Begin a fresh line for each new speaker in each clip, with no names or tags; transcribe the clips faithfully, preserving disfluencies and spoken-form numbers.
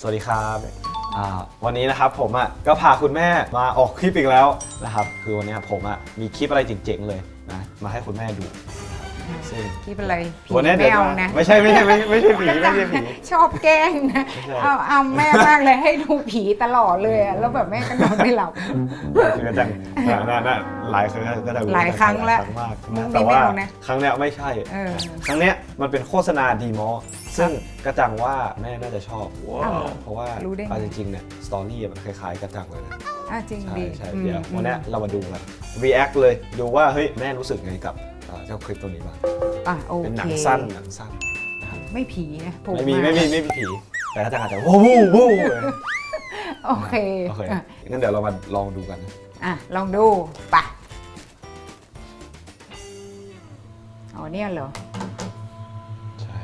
สวัสดีครับวันนี้นะครับผมอ่ะก็พาคุณแม่มาออกคลิปอีกแล้วนะครับคือวันนี้ผมอ่ะมีคลิปอะไรเจ๋งๆเลยนะมาให้คุณแม่ดูซึ่ง
คลิปอะไรผี
วันนี้เดี๋ยว
ไม่เอานะ
ไม่ใช่ไม่ใช่ไม่ไม่ใช่ผีไม่ใช่ผี
ชอบแกล้งนะเอาเอาแม่มากเลยให้ดูผีตลอดเลยอะแล้วแบบแม่ก็นอนไม่หลับ
คือก็จังน่าน่าหลายครั้งก็จะ
หลายครั้งแล้ว
มาก
มุกนี้
แต่ว่า
ไม่เอานะ
ครั้งเนี้ยไม่ใช่
เออ
ครั้งเนี้ยมันเป็นโฆษณาดีมอซึ่งกระจังว่าแม่น่าจะชอบ
อ้าว
เพราะว่า
รู้ได้ไง
เอาจริงๆเนี่ยสตอรี่มันคล้ายๆกระจังเลยนะ
อ่ะจริง
ใช่
ดิ
ใช่
อืม
เดี๋ยววันเนี้ยเรามาดูกัน react เลยดูว่าเฮ้ยแม่รู้สึกไงกับเอ่อเจ้าคลิปตัวนี้บ้าง
อ่ะโอ
เป็นหนั
เค
งสั้นหนังสั้นนะครับ
ไม่ผีนะผ
ไม่มี
า
ไม่มีไม่มีผีแต่กระจังอาจจะวู้วู้วู้เลย
โอเค
โอเค
อ่ะ
งั้นเดี๋ยวเรามาลองดูกันนะ
อ่ะลองดูไปะอ๋อเนี่ยเหรอ
ใช่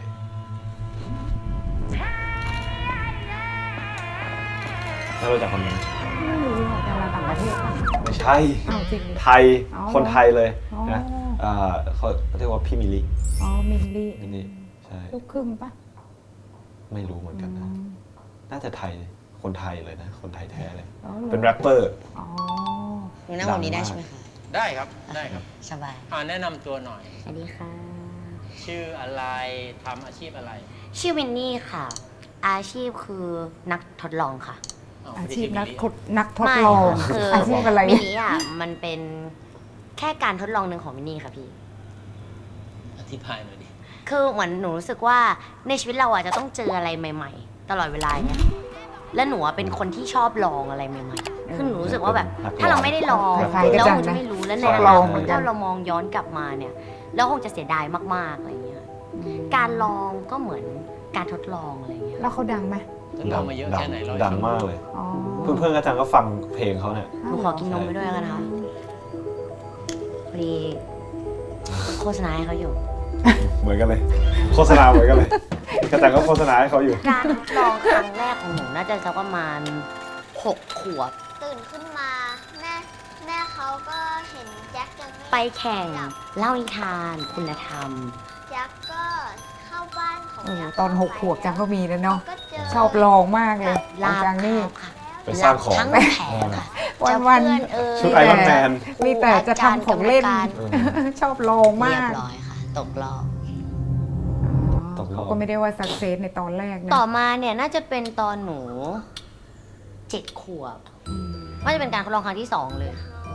ถ้ารู้จักคนนี้
ไม่รู้หรอกดาราต่างประเทศปะ
ไม่ใช่
อ้าวจริงดิ
ไทย
อ๋อ
คนไทยเลย
อ๋อ
นะเอ่อเขาเรียกว่าพี่มิลลิ
อ๋อมิลลี่
มิลลิใช่
ลูกครึ่งปะ
ไม่รู้เหมือนกันนะ น่าจะไทยคนไทยเลยนะ คนไทยแท้เลย
อ๋อหรอ
เป็นแรปเปอร์
อ๋อ
หนูนั่งแบบนี้ได้ใช่ไหมคะ
ได้ครับได้ครับ
สบาย
อ่าแนะนำตัวหน่อย
สวัสดีค่ะ
ชื่ออะไรทำอาชีพอะไร
ชื่อวินนี่ค่ะ อาชีพคือนักทดลองค่ะ
ว
อา
ไม่ได้
ชีพ
ชื่
นัก
มิลลี่
ทดนักทดลอง
ไม่คือ
อาชีพอะไร
มินนี่อ่ะมันเป็นแค่การทดลองหนึ่งของมินนี่ค่ะพี่
อธิบายหน่อยดิ
คือเหมือนหนูรู้สึกว่าในชีวิตเราอ่ะจะต้องเจออะไรใหม่ ๆ ตลอดเวลาเนี่ยและหนูอ่ะเป็นคนที่ชอบลองอะไรใหม่ๆคือหนูรู้สึกว่าแบบ ถ้าเราไม่ได้ลอง
คล้ายๆ
แล้ว
กัน
คงจะ
นะ
ไม่รู้แล้วใน
ชอบ
อ
ล
นา
อง
ค
เหมื
ต
อนกัน
ถ้าเรามองย้อนกลับมาเนี่ยแล้วคงจะเสียดายมากๆอะไรเงี้ยการลองก็เหมือนการทดลองอะไรเงี้ย
แล้วเขาดังไหม
ทดลองมาเยอะแค่ไหนร้อย
ดังมากเลย
อ๋อ
เพื่อนๆกระจังก็ฟังเพลงเขาเนี่ย
หนูขอกินนมไปด้วยแล้วกันนะคะพอดีโฆษณาให้เขาอยู่
เหมือนกันเลย โฆษณาเหมือนกันเลย กระจังก็โฆษณาให้เขาอยู่
การทดลองครั้งแรกของหนูน่าจะสักประมาณหกขวบ
ตื่นขึ้นมาแม่แม่เขาก็เห็นแจ็คยังไม่
ไปแข่ง
หลับ
เล่านิทานคุณธรรม
แจ็คก็เข้าบ้านของ
เออ
แจ็ค
ตอนหกขวบจังก็มีแล้วเนาะ
ก็เจอ
ชอบลองมากเลย
ลาบ
จังนี่
ข้าวค่ะ
ไปสร้างของ
ทั้งแผงค่ะ
วัน
จะ
ๆ
เพื่อเอ่ย
ชุดไอรอนแมน
มีแต่จะทำของเล่น
อาจารย์
เออ
ชอบลองมา
เรีย
ก
บร้อยค่ะ ตกรอบ
ตกรอบ
เขาก็ไม่ได้ว่าสักเซสในตอนแรกนะ
ต่อมาเนี่ยน่าจะเป็นตอนหนูเจ็ดขวบน่าจะเป็นการทดลองครั้งที่สองเลย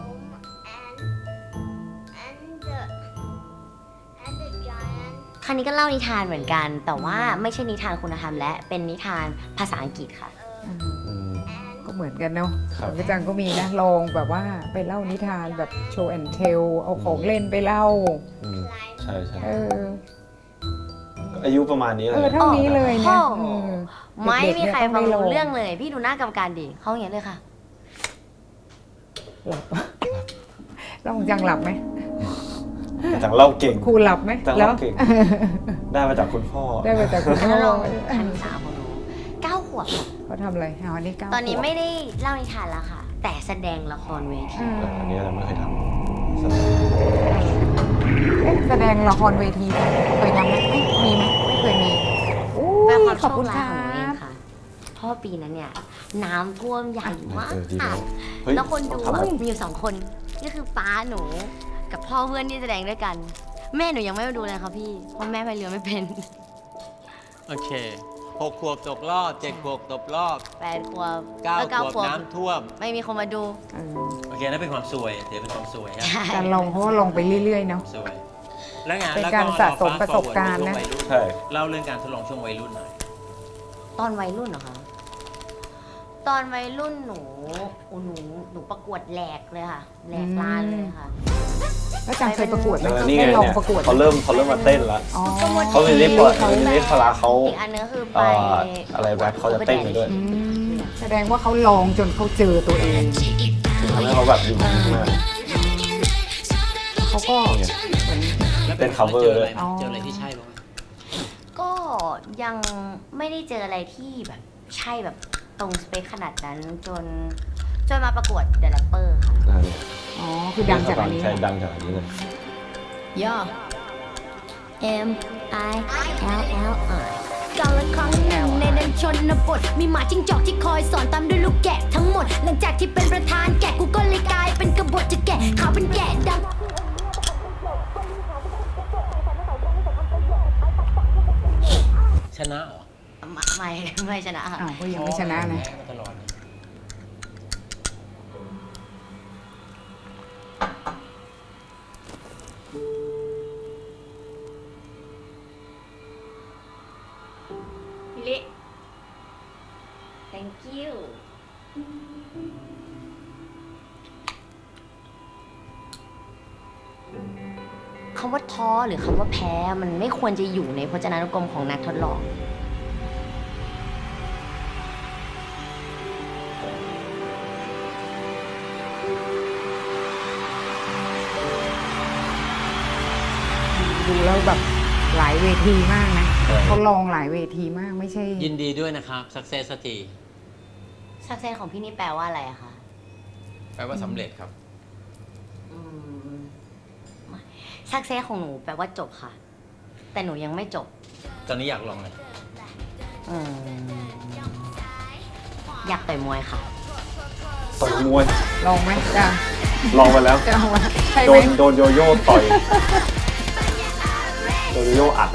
and and the and the giant
ครั้งนี้ก็เล่านิทานเหมือนกัน แต่ว่าไม่ใช่นิทานคุณธรรมและเป็นนิทานภาษาอังกฤษค่ะ
อืม
อืม
ก็เหมือนกันเนาะ
ครับ
ของกระจังก็มีนะลองแบบว่าไปเล่านิทานแบบโชว์แอนเทลเอาของเล่นไปเล่า
อืมใช่ใช่
เออ
อายุประมาณนี้เล
เออย เท่านี้เลยนะ
โอ้โห
เออ
ไม่
เด็กๆ
มีใคร
เนี่ยต้
ฟั
อง
ง
ได้ล
รู้
อง
เรื่องเลย พี่ดูหน้ากรรมการดิเขาอย่างนี้เลยค่ะ
หลับแล้วของจังหลับไหม
กระจังเล่าเก่ง
ครูหลับไหม
จัง
แล้ว
เล่าเก่ง ได้มาจากคุณพ่อ
ได้มาจากคุณ
ท
พ่
ดล
อ
องครั้งที่สามของหนูเก้าขวบค่ะ
เขาทำอะไรอ๋อนี่เก้า
ตอนนี้
ขวบ
ไม่ได้เล่านิทานแล้วค่ะ แต่แสดงละครเวที
อืม
เอออันนี้เราไม่เคยทำ
เอ๊ะแสดงละครเวทีเคยทำไหมไม่มีไหมไม่เคยมีอู้
เป็นความ
ข
โช
อบ
ค
คุณ
ร้า
ค
ย
รั
ของหนูเอง
บ
ค่ะ เพราะว่าปีนั้นเนี่ย น้ำท่วมใหญ่มาก
เออดีแล้วเฮ้ย
แล้วคนดู
ทำ
อะ
อะไร
มีอยู่สองคนก็คือป้าหนูกับพ่อเพื่อนที่แสดงด้วยกัน แม่หนูยังไม่มาดูเลยค่ะพี่ เพราะแม่พายเรือไม่เป็น
โอเคหกขวบตกรอบเจ็ดขวบตกรอบ
แปดขวบ
เก้า
เออ
ข
เก้าว
บ
ขวบ
น้ำท่วม
ไม่มีคนมาดู
เออ
โอเคนั่นเป็นความสวยถือเป็นความสวยครับ
การลองเพราะว่าลองไปเรื่อยๆเนาะ
สวย แล้วไง
เป็น
แล้ว
การสะสมประสบการณ์นะ
ใช่
เล่าเรื่องการทดลองช่วงวัยรุ่นหน่อย
ตอนวัยรุ่นเหรอคะ ตอนวัยรุ่นหนูโอ้หนูหนูประกวดแหลกเลยค่ะแหลกลานเลยค่ะ
แล้วจังเคยประกวดไหม
เออนี่ไง
ได้ลอง
เนี่ย
ประกวดไหม
เขาเริ่มเขาเริ่มมาเต้นแล้ว
อ๋อ
เขาเป็นลิฟต์ก่อนเป็นลิฟต์พลาเขา
อีกอันนึงคือไป
เอ่ออะไรแรปเขาจะเต้นไปด้วย
อืมแสดงว่าเขาลองจนเขาเจอตัวเอง
ทำให้เขาแบบอยู่มาก
เขาก็
แล้ว
เป็น cover
เจออะไร
อ๋อ
เจออะไรที่ใช่บ้างไหม
ก็ยังไม่ได้เจออะไรที่แบบใช่แบบตรงสเปคขนาดนั้นจนจนมาประกวดเดอะแรปเปอร์ค่ะ
อ่าเนี่ย
อ๋อคือดังจากอันนี้
ใช่ดังจากอันนี้เลย
ย่อ M I L L I
กาลครั้งหนึ่งในดันชนบทมีหมาจิ้งจอกที่คอยสอนตามด้วยลูกแกะทั้งหมดหลังจากที่เป็นประธานแกะกูก็เลยกลายเป็นกบฏจะแกะขาวเป็นแกะดำ
ชนะเหรอ
ไม่ไม่ไม่ชนะค่ะ
อ้าวก็ยังไม่ชนะนะ
แพ้มาตลอดนะ
มิลิ thank you คำว่าท้อหรือคำว่าแพ้มันไม่ควรจะอยู่ในพจนานุกรมของนักทดลอง
ดูแล้วแบบหลายเวทีมากนะ
ใช่
เขาลองหลายเวทีมากไม่ใช่
ยินดีด้วยนะครับ success สักที
success ของพี่นี่แปลว่าอะไรอะคะ
แปลว่าสำเร็จครับ
อืม success ของหนูแปลว่าจบค่ะ แต่หนูยังไม่จบ
ตอนนี้อยากลองเลย
อืมอยากต่อยมวยค่ะ
ต่อยมวย
ลองไหมจะ
ลองไปแล้ว
จะเอามาใช่
โด
ไหม
นโดนโยโย่ต่อย โดนโยโย่อัดเลย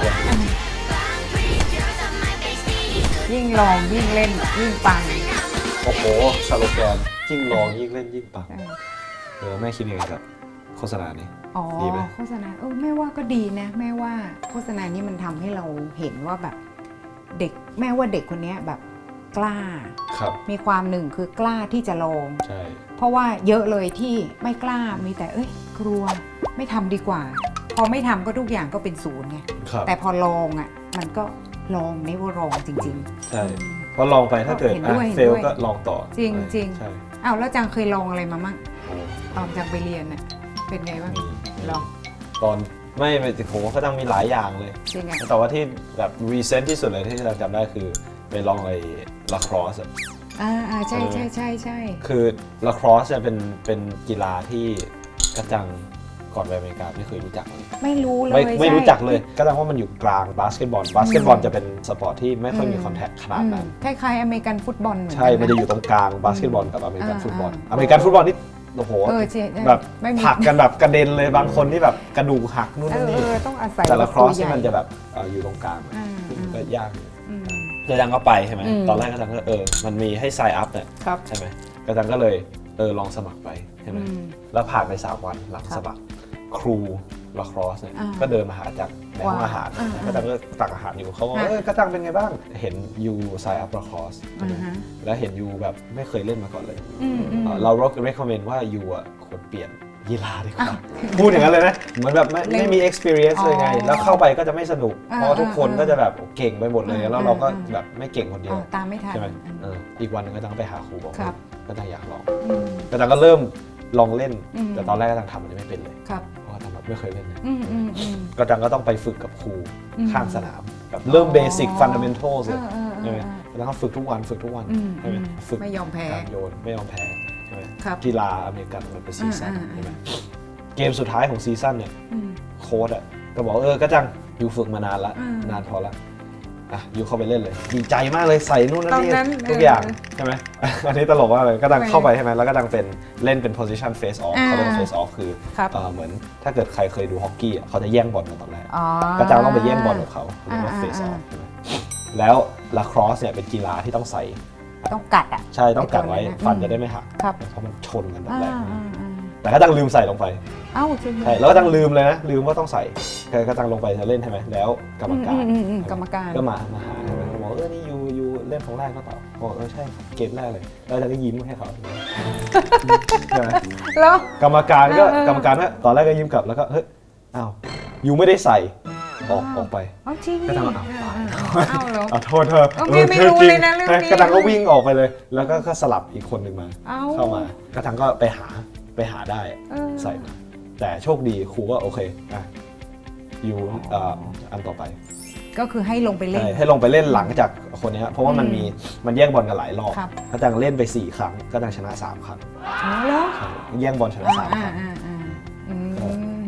ยิ่งลองยิ่งเล่นยิ่งปัง
โอ้โหสโลแกนยิ่งลองยิ่งเล่นยิ่งปัง
ใช่
เออแม่คิดยังไงกับโฆษณานี้
อ๋อ
ดีไหม
โฆษณาเออแม่ว่าก็ดีนะแม่ว่าโฆษณานี้มันทำให้เราเห็นว่าแบบเด็กแม่ว่าเด็กคนเนี้ยแบบกล้า
ครับ
มีความหนึ่งคือกล้าที่จะลอง
ใช่
เพราะว่าเยอะเลยที่ไม่กล้ามีแต่เอ้ยกลัวไม่ทำดีกว่า พอไม่ทำก็ทุกอย่างก็เป็นศูนย์ไง
ครับ
แต่พอลองอ่ะมันก็ลองไม่ว่าลองจริง
ใช่เพราะลองไปถ้าเกิด
เห็น
อ่ะ
ด้วย
เฟล
เห็นด้วย
ก็ลองต่อ
จริงจริง
ใช่
ๆอ้าวแล้วจังเคยลองอะไรมามั่ง
โอ้
ตอนจังไปเรียนน่ะเป็นไงบ้าง
มีมี
ลอง
ตอนไม่ไม่โหเขาต้องมีหลายอย่างเลย
จริงอ่ะ
แต่ว่าที่แบบรีเซนต์ที่สุดเลยที่เราจำได้คือไปลองไอ้ลาครอส
อ่าอ่าใช่
เออ
ใช่ใช่ใช่
คือลาครอสเนี่ยเป็นเป็นกีฬาที่กระจังก่อนไปอเมริกาไม่เคยรู้จักเลย
ไม่รู้เลย
ไม่ไม่
ใช่
รู้จักเลยกระจังว่ามันอยู่กลางบาสเกตบอลบาสเกตบอลจะเป็นสปอร์ตที่ไม่ค่อยมีคอนแทคขนาดนั้น
อืมคล้ายๆอเมริกันฟุตบอลเหมือนกั
ใช่ มันจะอยู่ตรงกลางบาสเกตบอลกับอเมริกัน
อ่า
ฟุตบอล
อ่า
อเมริกันฟุตบอลนี่โอ้โห
เออใช่ใช่
แบบ
ไม่มี
ผลักกันแบบกระเด็นเลยบางคนที่แบบกระดูกหักนู่น
เอ
นี่
อเออต้องอาศัย
แต่ละครอส
ตัวให
ที่
ญ่
มันจะแบบเอ่ออยู่ตรงกลาง
อ่า
ซึ่ง
อ่า
ก็ยากอยู่
อืม
กระจังก็ไปใช่ไหม
อืม
ตอนแรกกระจังก็เออมันมีให้ไซน์อัพเนี่ย
ครับ
ใช่ไหมกระจังก็เลยเออลองสมัครไปใช่ไหม
อืม
แล้วผ่านไปสามวันหลัง
ครับ
สมัครครูลาครอสเนี่ย
อ่า
ก็เดินมาหาจังในห้อง
ว้าว
อาหาร
อ่า
กระจังก็ตักอาหารอยู่เขาบอก
อ่า
เออกระจังเป็นไงบ้างเห็นยูไซน์อัพลาครอส
อ่าฮะ
แล้วเห็นยูแบบไม่เคยเล่นมาก่อนเลย
อืมอืม
เอ่อเรา recommend ว่ายูอ่ะควรเปลี่ยนกีฬาดีกว่า
อ้าว
พูดอย่างนั้นเลยนะ เหมือนแบบไม่
เล่น
ไม่มี experience เลยไง
อ๋อ
แล้วเข้าไปก็จะไม่สนุก
อ่า
เพราะว่าทุกคน
อ่า
ก็จะแบบเก่งไปหมดเลย
อ่า
แล้วเราก็
อ่า
แบบไม่เก่งคนเดีย
อ๋
ว
อตามไม่ทัน
ใช่ไหม
อืม
เอออีกวันหนึงก็ต้องไปหาครูบอก
ครับ
ก็ต้องอยากลอง
อืม
ก็ต้องก็เริ่มลองเล่น
อืม
แต่ตอนแรกก็ต้องทำมันไม่เป็นเลย
ครับ
เพราะว่าทำแบบไม่เคยเล่นนะ
อืมอืมอืม
ก็จังก็ต้องไปฝึกกับครู
อืม
ข้างสนามแบบเริ่ม
อ๋อ
เบสิก fundamentals เลย
เออเออเออ
ใช่ไหมแล้วก็ฝึกทุกวันฝึกทุกวัน
อืม
ใช่ไหม
อืม
ฝึก
ไม่ยอมแพ้
การโยนไม่ยอมแพ้ใช่ไหม
ครับ
กีฬาอเมริกันมันเป็นซีซั่น
อ่าอ่า
ใช่ไหมเกมสุดท้ายของซีซั่นเนี่ย
อืม
โค้ชอ่ะก็บอกเออก็จังยูฝึกมานานละ
อืม
นานพอละอ่ะยูเข้าไปเล่นเลยดีใจมากเลยใส่นู่นนั่น
ตอน
นี่
นั้น
ทุก
เออ
อ
อ
ย่างใช่ไหม อันนี้ตลกมากเลยก็ดัง
ทำไม
เข้าไปใช่ไหมแล้วก็ดังเป็นเล่นเป็น position face off
อ่า
เขาเรียกว่า face off คือ
ครับ
เอ่อเหมือนถ้าเกิดใครเคยดูฮอกกี้อ่ะเขาจะแย่งบอลกันตอนแรก
อ๋อ
ก็จังต้องไปแย่งบอลกับเขาเขาเรียกว่า
อ่า
face
อ่า
off ใช่ไหมแล้วลาครอสเนี่ยเป็นกีฬาที่ต้องใส่
ต้องกัดอ่ะ
ใช่ต้องกัดไว้
ไอ้ตัวนั้นนะ
ฟัน
อืม
จะได้ไม่หัก
ครับ
เพราะมันชนกันตอน
อ่า
แรก
อ่าอ่า
แต่ก็ดังลืมใส่ลงไป
เอ้าจริงเหรอ
ใช่แล้วก็ดังลืมเลยนะลืมว่าต้องใส่ก็ดังลงไปจะเล่นใช่ไหมแล้วกรรมการ
อืมอืมอืมกรรมการ
ก็มามาหาใช่ไหมเขาบอกเออนี่ยูยูเล่นครั้งแรกก็เปล่าบอกเออใช่เกมแรกเลยแล้วดังก็ยิ้มให้เขาใช่ไหม
แล้ว
กรรมการก็
เออเออ
กรรมการก็ตอนแรกก็ยิ้มกลับแล้วก็เฮ้ยอ้าวยูไม่ได้ใส่ออกออกไป
เอาจริง
ก็
ดิ
ทำเอา
เอ้าเหรอ
อ่ะโทษเธอ
เออพี่ไม่รู้เลยนะเรื่องนี้
กระทังก็วิ่งออกไปเลย แล้วก็ก็สลับอีกคนหนึ่งมา
เอ้า
เข้ามากระทังก็ไปหาไปหาได้
เออ
ใส่มาแต่โชคดีครูก็โอเคอ่ะอยู่เอ่ออันต่อไป
ก็คือให้ลงไปเล่น
ใช่ให้ลงไปเล่นหลังจากคนนี้ครับเพราะว่ามันมีมันแย่งบอลกันหลายรอบ
ครับ
กระจังเล่นไปสี่ครั้งกระจังชนะสามครั้ง
อ๋อเหรอ
ใช่แย่งบอลชนะ
อ่า
สาม
อ่า
ครั้ง
อ่าอ่าอืม
ก็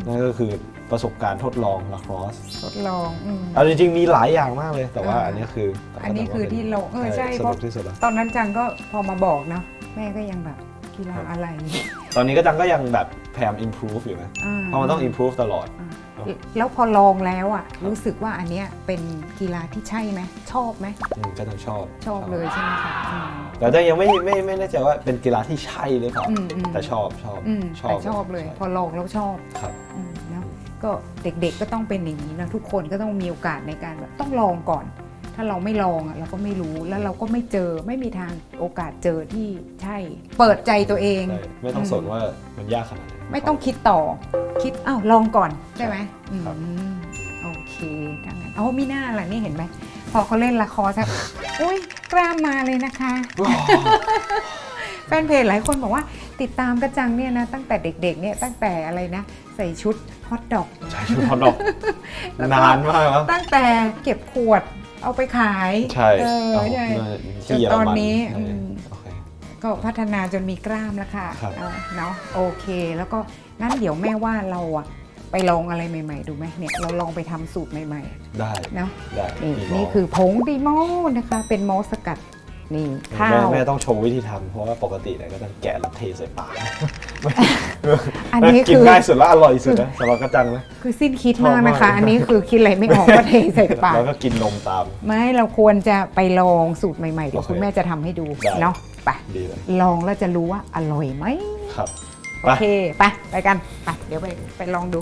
นั่นก็คือประสบการณ์ทดลองลาครอส
ทดลองอืม
เอาจริงๆมีหลายอย่างมากเลย แต่ว่า
อ่า
อันนี้คือ
อันนี้คือที่เราเออใช่
ส
เพ
นุ
ราะ
กที่สุดแล้ว
ตอนนั้นจังก็พอมาบอกเนาะแม่ก็ยังแบบกีฬาอะไร
ตอนนี้ก็จังก็ยังแบบพยายาม improve อยู่นะ
อ่า
เพราะมันต้อง improve ตลอด
อ่าแล้วพอลองแล้วอ่ะรู้สึกว่าอันเนี้ยเป็นกีฬาที่ใช่ไหมชอบไหม
อืมก็ต้องชอบ
ชอบเลยใช่ไหมคะอืม
แต่จังยังไม่ไม่ไม่แน่ใจว่าเป็นกีฬาที่ใช่หรือเปล่า
อืมอืม
แต่ชอบชอบ
อืม
ชอบ
แต่ชอบเลย
ใช่
พอลองแล้วชอบ
ครับ
อืมเนอะก็เด็กๆก็ต้องเป็นอย่างนี้นะทุกคนก็ต้องมีโอกาสในการแบบต้องลองก่อน ถ้าเราไม่ลองอ่ะเราก็ไม่รู้แล้วเราก็ไม่เจอไม่มีทางโอกาสเจอที่ใช่ เปิดใจตัวเอง
ใช่ไม่ต้องสนว่ามันยากขนาดไหน
ไม่ต้องคิดต่อ คิดอ้าวลองก่อนใช่ไหมอืม
ครับ
โอเคดังนั้นเอามีหน้าล่ะนี่เห็นไหมพอเขาเล่นละครสักอุ้ยกล้ามมาเลยนะคะ แฟนเพจหลายคนบอกว่าติดตามกระจังเนี่ยนะตั้งแต่เด็กๆเนี่ยตั้งแต่อะไรนะ ใส่ชุดฮอตดอก
ใช่ชุดฮอตดอกนานมากแล้ว
ตั้งแต่เก็บขวดเอาไปขาย
ใช่
เออ
เอา
ใช่
ที่เย
จน
อร
ตอน
มัน
นี้
ใช่
อืม
โอเค
ก็พัฒนาจนมีกล้ามแล้วค่ะ
ครับ
เออเนาะโอเค แล้วก็งั้นเดี๋ยวแม่ว่าเราอะไปลองอะไรใหม่ๆ ดูไหมเนี่ยเราลองไปทำสูตรใหม่
ได้
ๆเนาะ
ได้
นี่
มีหม
นี่คือผงดีโมนะคะ เป็นมอสสกัดนี่ข้า
แม่
ว
แม่ต้องโชว์วิธีทำเพราะว่าปกติเนี่ยก็ต้องแกะแล้วเทใส่ปาก
อันนี้
กิน
คือ
ง่ายสุดและอร่อยสุดนะสำหรับกระจังนะ
คือสิ้นคิดมาก
ชอบ
นะ
มาก
คะ อันนี้คือคิดอะไรไม่ออกก็เทใส่ปาก
แล้วก็กินนมตาม
ไม่เราควรจะไปลองสูตรใหม่ๆเดี๋ยว
โอเค
คุณแม่จะทำให้ดู
ได้
เนาะไป
ดีเลย
ลองแล้วจะรู้ว่าอร่อยไหม
ครับ
โอเคไปไปกันไปเดี๋ยวไปไปลองดู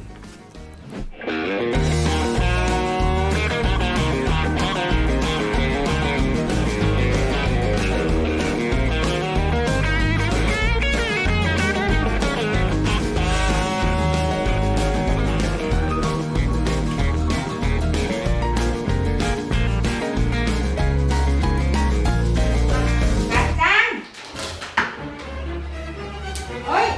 จังเฮ้ย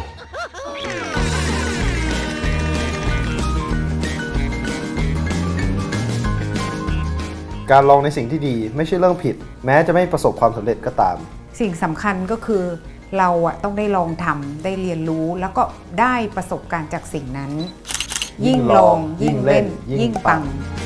การลองในสิ่งที่ดีไม่ใช่เรื่องผิด แม้จะไม่ประสบความสำเร็จก็ตาม
สิ่งสำคัญก็คือเราอะต้องได้ลองทำได้เรียนรู้แล้วก็ได้ประสบการณ์จากสิ่งนั้น ยิ่งลองยิ่งเล่น ยิ่งปัง